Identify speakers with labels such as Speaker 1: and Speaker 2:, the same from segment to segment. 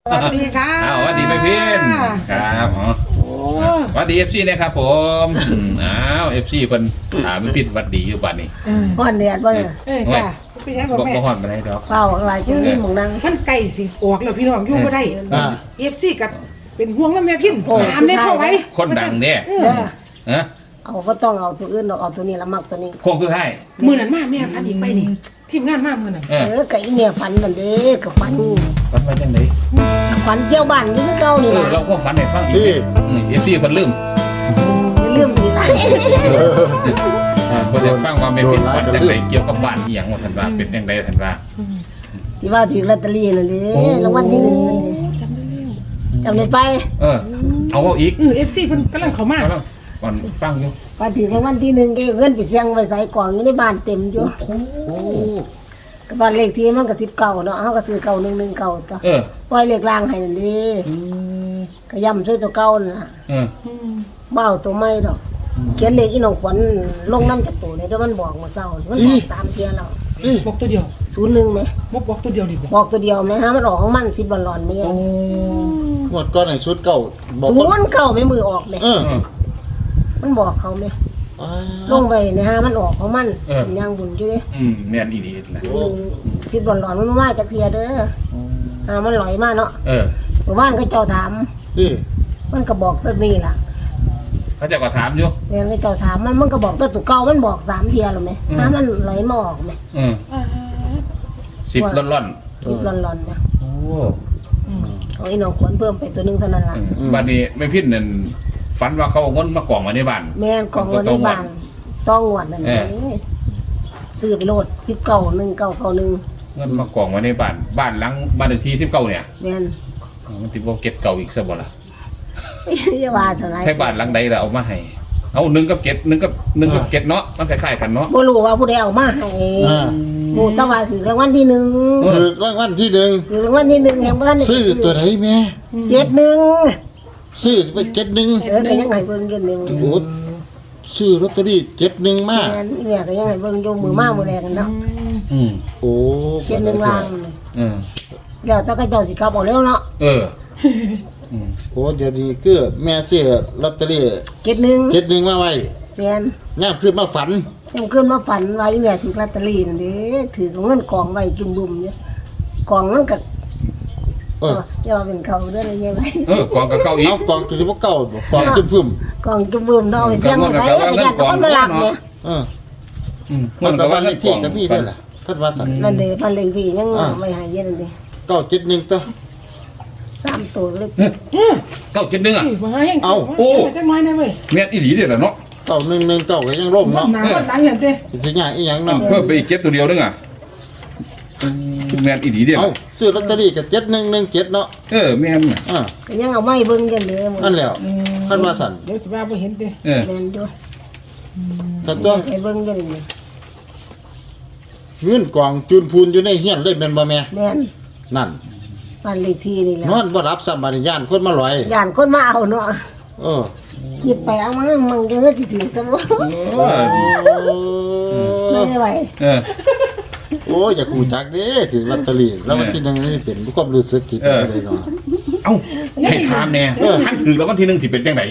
Speaker 1: สวัสดีค่ะ
Speaker 2: สวัสดีแม่พินครับสวัสดีFCนะครับผมเอฟซีเพิ่นถามแม่พินสวัสดีอยู่บ้านนี้
Speaker 3: ฮ้อนแดดบ่เนี่ย
Speaker 1: จ้ะพี่ชายบอกแม่
Speaker 2: บ่ฮ้อนปานใดดอก
Speaker 3: เฝ้าอะไรจังนี่หมองนั่ง
Speaker 1: มันไก่สิออกแล้วพี่น้องอยู่บ่ได้FCกับเป็นห่วงแล้วแม่พินถามได้เข้าไว้
Speaker 2: คนดังเด้ ฮะ
Speaker 3: เอาก็ต้องเอาตัวอื่นดอกเอาตัวนี้ละมักตัวนี้
Speaker 2: โค้งสุดท้าย
Speaker 1: มื้อนั้นมาแม่ฟันอีกไปนี่ทีมงานมามื้อนั้น
Speaker 3: ก็อีเมียฝันนั่นเด้ก็ฝัน
Speaker 2: ฝันว่าจังได๋
Speaker 3: ฝันเที่ยวบ้านนี่คือเก่านี่ล่ะ
Speaker 2: เราก็ฝันให้ฟังอีกFC เพิ่นลืม
Speaker 3: อย่าลืมอีกนะ
Speaker 2: เพิ่นจะฟังว่าแม่พินฝันจังได๋เกี่ยวกับบ้านอีหยังว่าท่านว่าเป็นจังได๋ท่านว่า
Speaker 3: ที่ว่าถือลอตเตอรี่นั่นเด้รางวัลที่1นั่นเด้จำได้ไป
Speaker 2: เอาอีก
Speaker 1: FC เพิ่นกำลังเข้ามา
Speaker 2: ก็ก่อนฟังอยู่
Speaker 3: ว่าถือรางวัลที่1แกเงินไปเสี่ยงไว้ใส่กล่องอยู่ในบ้านเต็มอยู่
Speaker 2: โอ้
Speaker 3: ก็บ้านเลขที่มันก็19เนาะเฮาก็ซื้อ9119ตัวปล่อยเลขล่างให้นั่นเด้ก็ย่ำซื้อตัวเก่านั่นล่ะบ่เอาตัวใหม่ดอกเขียนเลขอีน้องขวัญลงน้ำจากตัวนี่เด้อมันบอกมื้อเช้ามันบอก3เที่ยแล้ว
Speaker 1: บอกตัวเดียว
Speaker 3: 01แหม
Speaker 1: บอกตัวเดียวดิบอก
Speaker 3: บอกตัวเดียวแหมฮะมันออกของมัน10ร้อนๆแม่
Speaker 4: งวดก้อนไหนชุดเก่าบอก
Speaker 3: ศูนย์เก่าไม่มือออกแหม มันบอกเขาแหมลงไปนะฮะมันออกของมันเป็นอย่างบุญอยู่เด้
Speaker 2: แม่นอีหลีแหละ
Speaker 3: 10ร้อนๆมันมาจากเที่ยเด้อมันลอยมาเนาะหมู่บ้านก็เจ้าถาม
Speaker 4: ที่
Speaker 3: มันก็บอกตัวนี้ล่ะ
Speaker 2: เขาจะก็ถามอยู่
Speaker 3: แม่นก็เจ้าถามมันก็บอกตัวเก่ามันบอก3เที่ยแล้วแหมมันไหลมาออกแหม
Speaker 2: 10ล่อน
Speaker 3: 10ร้อนๆนะ
Speaker 2: ๆโอ้
Speaker 3: เอาอีน้องขวัญเพิ่มไปตัวนึงเท่านั้นล่ะ
Speaker 2: บัดนี้แม่พินนั่นฝันว่าเขาเอาเงินมากองไว้ในบ้าน
Speaker 3: แม่นของเงินในบ้านต้องงวดนั่นนี่ซื้อไปโลด191991
Speaker 2: เงินมากองไว้ในบ้านหลังบ้านเลขที่19เนี่ย
Speaker 3: แม่น
Speaker 2: มันติบ่เก็บเก่าอีกซะบ่ล่ะ
Speaker 3: อย่าว่าเท่าไหร่
Speaker 2: ให้บ้านหลังใดล่ะเอามาให้เอา1กับ7 1กับ7เนาะมันคล้ายๆกันเนาะ
Speaker 3: บ่รู้ว่าผู้ใดเอามาให้หมู่ตะว่าถือรางวัลที่1
Speaker 4: ถือรางวัลที่หนึ่ง
Speaker 3: ถือรางวัลที่1แห่งบ่ทันได้
Speaker 4: ซื้อตัวไหนแม่
Speaker 3: 71
Speaker 4: ซื้อไป71
Speaker 3: ก็ยังให้เบิ่งอยู่นี่
Speaker 4: โอ้ซื้อลอตเตอรี่71มา
Speaker 3: แม่นอีแม่ก็ยังให้เบิ่งอยู่มือมามื้อแรกกันเนาะ
Speaker 4: โอ้
Speaker 3: 71ล้านแล้วแต่ก็เจ้าสิกลับเอาแล้วเนาะ
Speaker 4: โอ้เดี๋ยวนี้คือแม่ซื้อลอตเตอรี่
Speaker 3: 71
Speaker 4: มาไว้
Speaker 3: แม่น
Speaker 4: ย่ามขึ้นมาฝัน
Speaker 3: ยังขึ้นมาฝันว่าอีแม่ถือลอตเตอรี่นั่นเด้ถือเงินกองไว้จุ่มๆเนี่ยกองมันก็อย่าว่าเป็นเขาเด้ออะไรเงี้ยไว้
Speaker 2: กองกับเก่าอีก
Speaker 4: เอากองคือสิบ่เก่าบ่กองจุ่ม
Speaker 3: กองจุ่มๆเนาะเอาไปเสี่ยงไว้ใส่ก็ญาติคนมารับเนี่ย
Speaker 4: มันก็ว่าเลขที่ก็มีได้ล่ะคาดว่าสั่น
Speaker 3: นั่นเด้บ้านเลขที่ยังไม่ให้เย็นนั่นเด้
Speaker 4: 971ตัว
Speaker 3: 3ตัวเล็ก
Speaker 2: 971อ่ะ
Speaker 1: มาให้จังน้อยนะเว้ย
Speaker 2: แม่นอีหลีเด้อเนาะ
Speaker 4: 9119ก็ยังร่มเนาะ
Speaker 1: หนาก็ดังอย่างเด้
Speaker 4: สิยากอีหยังเนาะ
Speaker 2: เพิ่มไปอีก7ตัวเดียวนึงอ่ะแม่นอีหลีเด้อ
Speaker 4: เอาซื้อลอตเตอรี่ก็7117เนาะ
Speaker 2: แม่น
Speaker 3: ก็ยังเอาไม้เบิ่งกันเลย
Speaker 4: นั่นแหล้วคาดว่าสั่น
Speaker 1: เดี๋ยวสิว่าบ่เห็นเด้
Speaker 3: แม่นอยู่
Speaker 4: สั่นตัว
Speaker 3: ให้เบิ่งกันนี่
Speaker 4: เงินกองจูนพูนอยู่ในเฮียนเลยแม่นบ่แม่
Speaker 3: แม่น
Speaker 4: นั่น
Speaker 3: บ้านเลขที่นี่แหละ
Speaker 4: นอนบ่รับซ้ำบาดย่านคนมาลอย
Speaker 3: ย่านคนมาเอาเนาะ
Speaker 4: เออ
Speaker 3: หยิบไปเอามามันก็เฮ็ดสิถึงซะบ่ไม่ไหว
Speaker 4: โอ้ยอย่าขู่จักเด้ถึงลอตเตอรี่แล้ววันที่หนึงนี่เป็นความรู้สึกที่เป็นเลยเนาะ
Speaker 2: เอ้าให้ถามแน่ท่านถือแล้ววันที่1สิเป็นจังได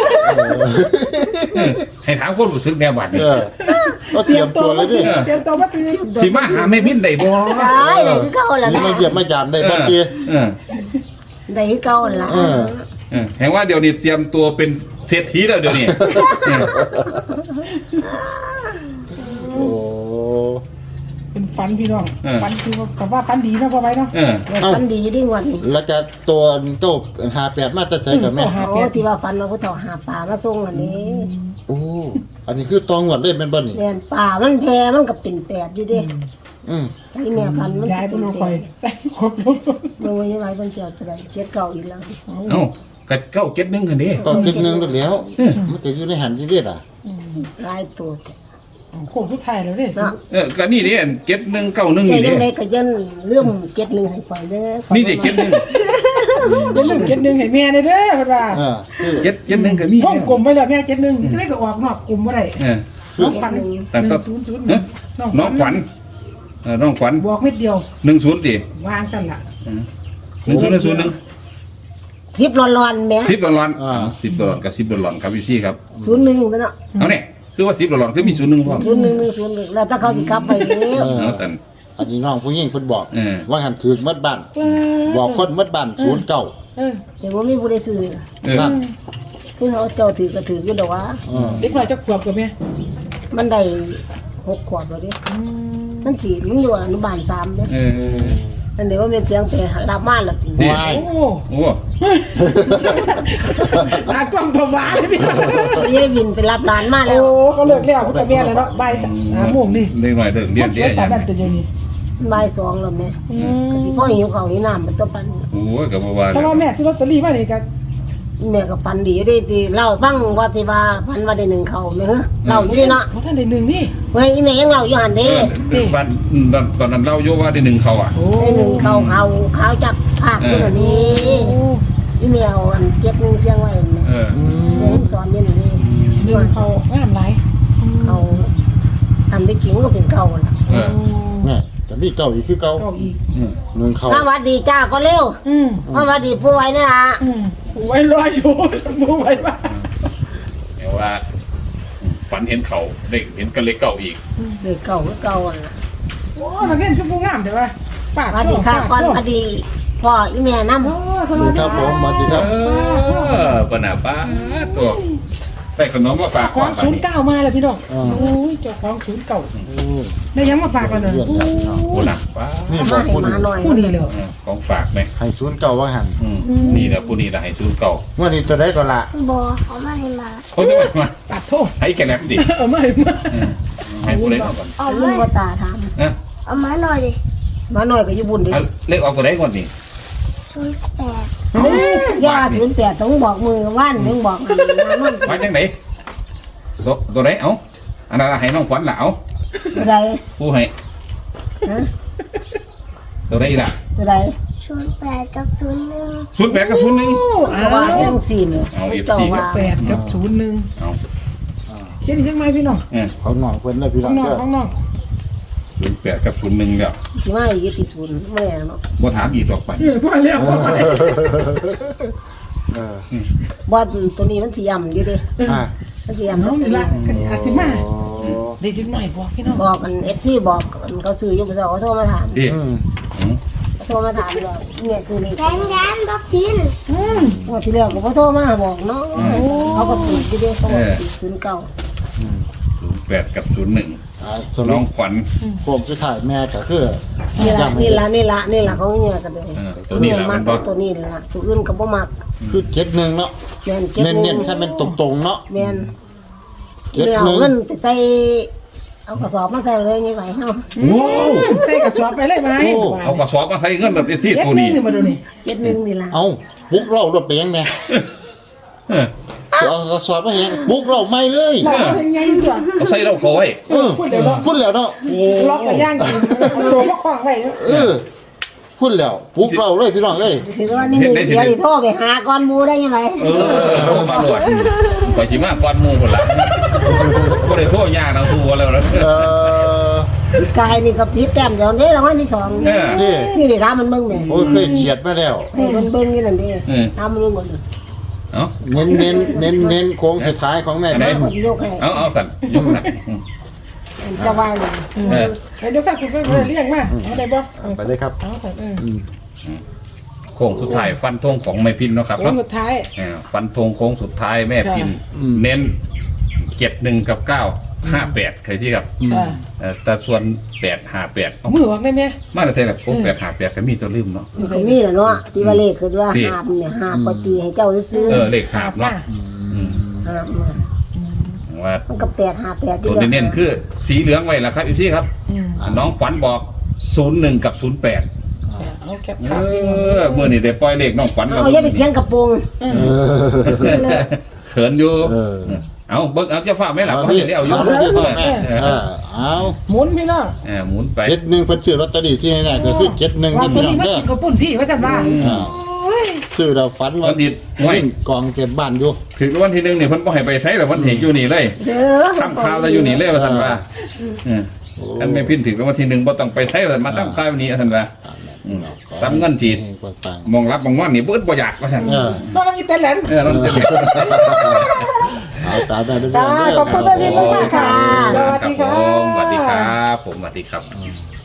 Speaker 2: ให้ถามคนรู้สึกแนวบัดนี้
Speaker 4: ก็เตรียมตัวเลยดิ
Speaker 1: เตรียมตัวมาตื่น
Speaker 2: สิมาหาแม่พินได้บ่
Speaker 3: ได้เลยคือเก่าล่ะ
Speaker 4: นี่มาเยี่ยมมายามได้บ่ติ
Speaker 3: ได้คือเก่าล่ะ
Speaker 2: แห่งว่าเดี๋ยวนี้เตรียมตัวเป็นเศรษฐีแล้วเดี๋ยวนี้
Speaker 4: โอ้
Speaker 1: เป็นฟันพี่น้องฟันคือว่าฟันดีนะพ่อไว้เนาะ
Speaker 3: มันดีดีกว่านี่
Speaker 4: แล้วจะตัวเจ้า58มาแต่ไสกับแม่
Speaker 3: โอ้ที่ว่าฟันมาผู้เฒ่าหาปลามาส่งอันนี้
Speaker 4: โอ้อันนี้คือตองวดเลยแม่นบ่นี่
Speaker 3: แม่นปลามันแพมันก็เป็น8อยู่เด้ ไอ้แม่ฟันมัน
Speaker 1: ยาย
Speaker 3: เป็
Speaker 1: เป็น น
Speaker 3: 8
Speaker 1: คอยใส่ครบ
Speaker 3: เบิ่งว่ายังไงเพิ่นสิเอาเท่าใด7เก่าอีกแล้ว
Speaker 2: เอ้าก็เก้าเก็ดนึงกันดิ
Speaker 4: ก็คิดนึงแล้วมันก็อยู่ในหันที่เด็ดอ่ะ
Speaker 3: หลายตัว
Speaker 1: โคงผู้ไทยแล้วเด้
Speaker 3: เนาะ
Speaker 2: ก็นี่ดิเก็ดนึงเก้านึง
Speaker 3: แต่
Speaker 2: นี่ดิ
Speaker 3: ยังไดก็ยันเรื่อง71ให้ข่อยเด้อ
Speaker 2: นี่ดิเก็ดนึง
Speaker 1: เป็นเรื่องเจ็ดหนึ่งให้แม่ได้เด้อเพิ่นว่า
Speaker 4: คือ
Speaker 2: เก็ดนึงก็มี
Speaker 1: ห้องกลมไปแล้วแม่เจ็ดหนึ่งจะได้ก็ออกนอกกลุ่มบ่ได้น้องขวัญ
Speaker 2: แต่ก็
Speaker 1: 100
Speaker 2: น้องขวัญน้องขวัญ
Speaker 1: บอกเม็ดเดียว
Speaker 2: 10ติ
Speaker 1: วางสั่นล่ะ
Speaker 2: 1001
Speaker 3: 10ร้อนๆแหม
Speaker 2: 10ดอลลาร์10ดอลลาร์กับ10ดอลลาร์ครับพี่ซี่ครับ
Speaker 3: 01ตัวเนาะ
Speaker 2: เอาเนี่ยคือว่า10ดอลลาร์คือมี01พร้อม
Speaker 3: 01แล้วถ้าเขาสิกลับไปเด้อ
Speaker 2: เอาแต่
Speaker 4: อันนี้น้องผู้หญิงเพิ่นบอก
Speaker 2: เออ
Speaker 4: ว่าหันถือมัดบ้านบอกคนมัดบ้าน09
Speaker 1: เออ
Speaker 3: เดี๋ยวบ่มีผู้ใดซื้อ
Speaker 4: นั่น
Speaker 3: คือเขาเจ้าถือก็ถืออยู่ดอกว่า
Speaker 1: เด็กน้อยจะขวบกับแม่
Speaker 3: มันได้6 ขวบแล้วเด้มันอยู่อนุบาล3เด้
Speaker 2: เออ
Speaker 3: อันนี้ว่าแม่นเสียงไปรับมาแล้ว
Speaker 2: นี่
Speaker 4: วาย
Speaker 1: โอ้
Speaker 2: โอ้
Speaker 1: ตากล้องผวาเลยพี่น้อง
Speaker 3: ยายวินไปรับหลานมาแล้
Speaker 1: โอ้
Speaker 3: ว
Speaker 1: ก็เลิกแล้วพุทธเมียแล้วเนาะบ่าย3 โมงนี่
Speaker 2: เด็กหน่อยเด็กเรียน
Speaker 1: ส
Speaker 2: เรี
Speaker 1: วย ย
Speaker 2: น
Speaker 1: ตาดันตัวเดียวนี้
Speaker 3: บ่าย2แล้วแม่ก็สิพ่อหิวข้าวหิวน้ำมันตัวปัน
Speaker 2: โอ้ยกับว่า
Speaker 1: เพราะว่าแม่ซื้อลอตเตอรี่มานี่ก็
Speaker 3: แม่ก็ฝันดีอยู่เด้ที่เล่าฟังว่าที่ว่าฝันว่าได้1เขาแม่เฮ้อเล่าอยู่เด้เนาะ
Speaker 1: เพราะท่านได้หนึ่งนี่
Speaker 3: เฮ้ยอีแม่ยังเล่าอยู่หั่นเด้
Speaker 2: บ้านตอนนั้นเล่าโยว่าได้1เขาอ่ะ
Speaker 1: โอ้
Speaker 3: ได้1เขาขาวจักภาคอยู่น่ะนี่อีแม่เอาอัน71เสียงไว้แม่
Speaker 2: เออ
Speaker 3: แม่เห็นสอนอยู่นี่
Speaker 1: หนึ่งเขางามหลาย
Speaker 3: เขาอันที่จริงก็เป็นเก่าล่ะ
Speaker 2: เออ
Speaker 4: เนี่ยแต่มีเก่าอีกคือเก่า
Speaker 1: เก่าอีก
Speaker 4: หนึ่งเข้า
Speaker 3: สวัสดีจ้าก็เร็ว
Speaker 1: อืม
Speaker 3: สวัสดีผู้ไว้นี่ล่ะ
Speaker 1: ไว้รออยู่จะมูไว้บ้า
Speaker 2: แต่ว่าฝันเห็นเขาเด็กเห็นกันเลยเก่าอีก
Speaker 3: เลยเก่าก็เก่าอ่ะนะ
Speaker 1: โอ้มาเล่นคือผู้งามแต่ว่าปาก
Speaker 3: สวัสดีค่ะก่อนสวัสดีพ่ออีแม่น้ำ
Speaker 1: โอ้ส
Speaker 4: สวั
Speaker 1: วั
Speaker 4: ส
Speaker 1: ส
Speaker 4: ดี
Speaker 1: ดี
Speaker 4: ครับผมสวัสดีครับ
Speaker 2: ปนาป้าตัวได้ขนมมาฝาก
Speaker 1: ของ 09มาเลยพี่น้องโอ้ยเจ้าของ09ได้ยังมาฝากกันเลย
Speaker 4: เรื่องแล้วพี่น้อง
Speaker 2: โอ้หนักป้า
Speaker 4: นี่
Speaker 3: เอา
Speaker 4: บ
Speaker 3: มา
Speaker 4: อก
Speaker 3: ให้
Speaker 4: คุณ
Speaker 3: มาหน่อย
Speaker 1: ผู้นี้เลย
Speaker 2: ของฝากไหม
Speaker 4: ให้ศูนย์เก่าว่าหัน
Speaker 2: นี่แหละผู้นี้แหละให้ซูเก่า
Speaker 4: ว่านี่ตัวได้ก็ละ
Speaker 5: บอเขาไม่ให้มา
Speaker 2: เขาจะมา
Speaker 1: ปัดโทษ
Speaker 2: ให้แกแลบดิ
Speaker 1: ไม่มา
Speaker 2: ให้ผู้เล่นออกก่อน
Speaker 5: เอา
Speaker 3: ลุ
Speaker 5: ไม่
Speaker 3: งก็ตาถาม
Speaker 2: นะ
Speaker 5: เอามาหน่อยดิ
Speaker 3: มาหน่อยก็อยู่บุญดิ
Speaker 2: เล็กออกตัวได้ก่อนนี่
Speaker 5: ชุดแปด
Speaker 3: ย่า08ต้องบอกมือว่านต้องบอกมันมัน
Speaker 2: มาจังไหนตัวไหนเอ้าอันนั้นให้น้องขวัญละเอา
Speaker 3: ตัวใด
Speaker 2: ผู้ให้
Speaker 3: ฮะ
Speaker 2: ตัวไหนล่ะ
Speaker 3: ตัวใด
Speaker 5: ชุดแปดกับชุดหนึ่ง
Speaker 2: ชุดแบกกับชุดนึง
Speaker 3: ก็ว่าเรื่องสี่เนี่ย
Speaker 2: เอา FC
Speaker 3: เจ้าว่า
Speaker 1: 8กับ01
Speaker 2: เอา
Speaker 1: เช่นยังไงพี่น้อง
Speaker 4: เขาหน่องเพิ่นเลยพี่น้
Speaker 1: ข้า
Speaker 4: อง ง
Speaker 1: นอก
Speaker 4: เด้อ
Speaker 1: ข้างนอก
Speaker 2: ชุดแบกกับชุดนึงแล้ว
Speaker 3: สิมาอีกที่ศูนย์ไม่แน่เนาะ
Speaker 2: บ่ถามอีกหรอกไป
Speaker 1: พอแล้วพอแล้ว
Speaker 3: ว่าตัวนี้มันสิย่ำอยู่ดิ
Speaker 4: อ่า
Speaker 3: มันสิ
Speaker 1: น้
Speaker 3: ย่ำ
Speaker 1: องนี่ละก็สิอาสิมา
Speaker 4: โอ้
Speaker 1: เด็กหน่อยบอกพี่น้อง
Speaker 3: บอกกัน FC บอกกันเขาซื้ออยู่บ่ซอเขาโทรมาถาม
Speaker 2: ดิ
Speaker 4: อืม
Speaker 3: เขาโทรมาถามเลยเนี่ยซื้อนี่
Speaker 5: แกนแกนบอกกิน
Speaker 3: ว่าที่แรกก็บ่โทรมาบอกเนาะเขาก็ติดอยู่ดิเขาบอกติดศูนย์เก่า
Speaker 2: ชุดแบกกับชุดหนึ่ง
Speaker 4: ส
Speaker 2: น้
Speaker 4: รุ
Speaker 2: อง
Speaker 4: ป
Speaker 2: ขวัญ
Speaker 4: โค้งสุดท้ายแม่ก็คือ
Speaker 3: นี่ละ
Speaker 4: ย้ำให้
Speaker 3: นี่ละของเนี่ยกันเลย
Speaker 2: ตัวนี้ล่ะ
Speaker 3: มั
Speaker 2: มั
Speaker 3: ก
Speaker 2: นบ่
Speaker 3: ตัวนี้ละตัวอื่นก็บ่มัก
Speaker 4: คือเก็ดหนึ่งเนาะ
Speaker 3: แม่นเก็บ
Speaker 4: เน้นๆถ้าเป็นตรงๆเนาะ
Speaker 3: แม่น
Speaker 4: เก็บ
Speaker 3: ไม่เอา
Speaker 4: หนึ่ง
Speaker 3: เงินไปใส่เอากระสอบมาใส่เลยนี่ไหวเฮา
Speaker 2: โอ้
Speaker 1: ใส่กระสอบไปเลยไหม
Speaker 2: เอากระสอบมาใส่เงินแบบที่ตัวนี้
Speaker 1: มาดูนี่
Speaker 3: 71นี่ล่ะ
Speaker 4: เอาบุกเล่ารถไปยังไง
Speaker 2: เออ
Speaker 4: เอากระสอบมาแหงบุกเล่าไม่เลย
Speaker 1: บอกว่ายังไงจ้ะ
Speaker 2: เอาใส่เราเขาไว้
Speaker 4: เออพูดแล้วเนาะ
Speaker 2: โอ้
Speaker 1: ล็อกไปย่างกินโซ่ก็คว้างไว้
Speaker 4: เออพูดแล้วบุกเล่าเลยพี่น้องเอ้ย
Speaker 3: ถือว่านี่นึงเดี๋ยวนี่โทรไปหาก่อนหมู่ได้ยังไง
Speaker 2: เออเอามาโหลดก่อนจิมาก่อนหมู่คนละก็เลยโทษยากเราตัวแล้วนะ
Speaker 4: เออก
Speaker 3: ายนี่ก็ผิดแต้มเดี๋ยวนี้รางวัลที่2
Speaker 2: เออ
Speaker 4: นี่
Speaker 3: นี่ดิถามมันเบิ่งแม่
Speaker 4: โอ้ยเคยเฉียดมาแล้ว
Speaker 3: ให้มันเบิ่งนี่นั่นดิถามมันเบิ่งหมด
Speaker 2: เอา
Speaker 4: เน้นโค้งสุดท้ายของแม่
Speaker 2: ไหน
Speaker 4: เป็น
Speaker 3: ก็สิยกให้
Speaker 2: เอาสั่นยกสั่น
Speaker 3: จะว่าเลย
Speaker 2: เออ
Speaker 1: เดี๋ยวถ้าคุณก็เรียกมาเอาได้บ่
Speaker 4: ไปเลยครับ
Speaker 1: เอาแต่
Speaker 2: โค้งสุดท้ายฟันธงของแม่พินเนาะครับ
Speaker 1: โค้งสุดท้าย
Speaker 2: ฟันธงโค้งสุดท้ายแม่พิน เน้น71กับ958ใครที่ครับแต่ส่วน858
Speaker 1: มือออกได้ไหม
Speaker 2: มาแต่แบบผม858ก็มีตัวลืมเนาะ
Speaker 3: มันก็มีแหละเนาะที่ว่าเลขคือว่าหาบเนี่ยหาบปตีให้เจ้าซื้อ
Speaker 2: เลขหาบเนาะ
Speaker 3: หาบมา
Speaker 2: ว่า
Speaker 3: มันก็858
Speaker 2: ตัวเน้นๆคือสีเหลืองไว้แล้วครับอีพี่ครับ น้องขวัญบอก01กับ08
Speaker 1: เอาแคป
Speaker 2: เมื่อนี่ได้ปล่อยเลขน้องขวัญ
Speaker 3: เอาอย่าไปเขียนกระโปรง
Speaker 2: เขินอยู่เอาเบิกเอาจะฝากไหมล่ะเขาจะได้เอาอยู่
Speaker 4: เอา
Speaker 1: หมุนพี่น้อง
Speaker 2: หมุนไป
Speaker 4: เจ็ดหนึ่งเพิ่นซื้อลอตเตอรี่ที่ไหนก็คือเจ็ดหนึ่ง
Speaker 1: ว่า
Speaker 4: นี่
Speaker 1: ตัว
Speaker 4: พี่น้อ
Speaker 1: นี้
Speaker 4: ง
Speaker 1: มัน
Speaker 4: เด้อ
Speaker 1: กินกับปุ่นพี่ว่าสั่นว่า
Speaker 4: ซื้อเราฝันว่า
Speaker 2: วันนี้ห้วย
Speaker 4: กองเก็บบ้านอยู่
Speaker 2: ถึงวันที่1เนี่ยเพิ่นบ่ให้ไปใช้หรอกเพิ่นเห็นอยู่นี่เลย
Speaker 3: เด้อ
Speaker 2: ทำข่าวจะอยู่นี่เลยว่าท่านว่าท่านไม่พินถึงวันที่1บ่ต้องไปใช้ว่ามาทำข่าวนี้ท่านว่าซ้ำเงินจีด
Speaker 4: ปัง
Speaker 2: มองรับมองว่านี่เบิดบ่อยากว่าซั่น
Speaker 1: ก็มันมีแต่แหลน
Speaker 2: เราจะ
Speaker 4: เอาตามได้ด้วย
Speaker 1: จ้าขอบคุณแม่พินมากๆค่ะ สวัสดีค่ะ
Speaker 2: สวัสดีครับผมสวัสดีครับ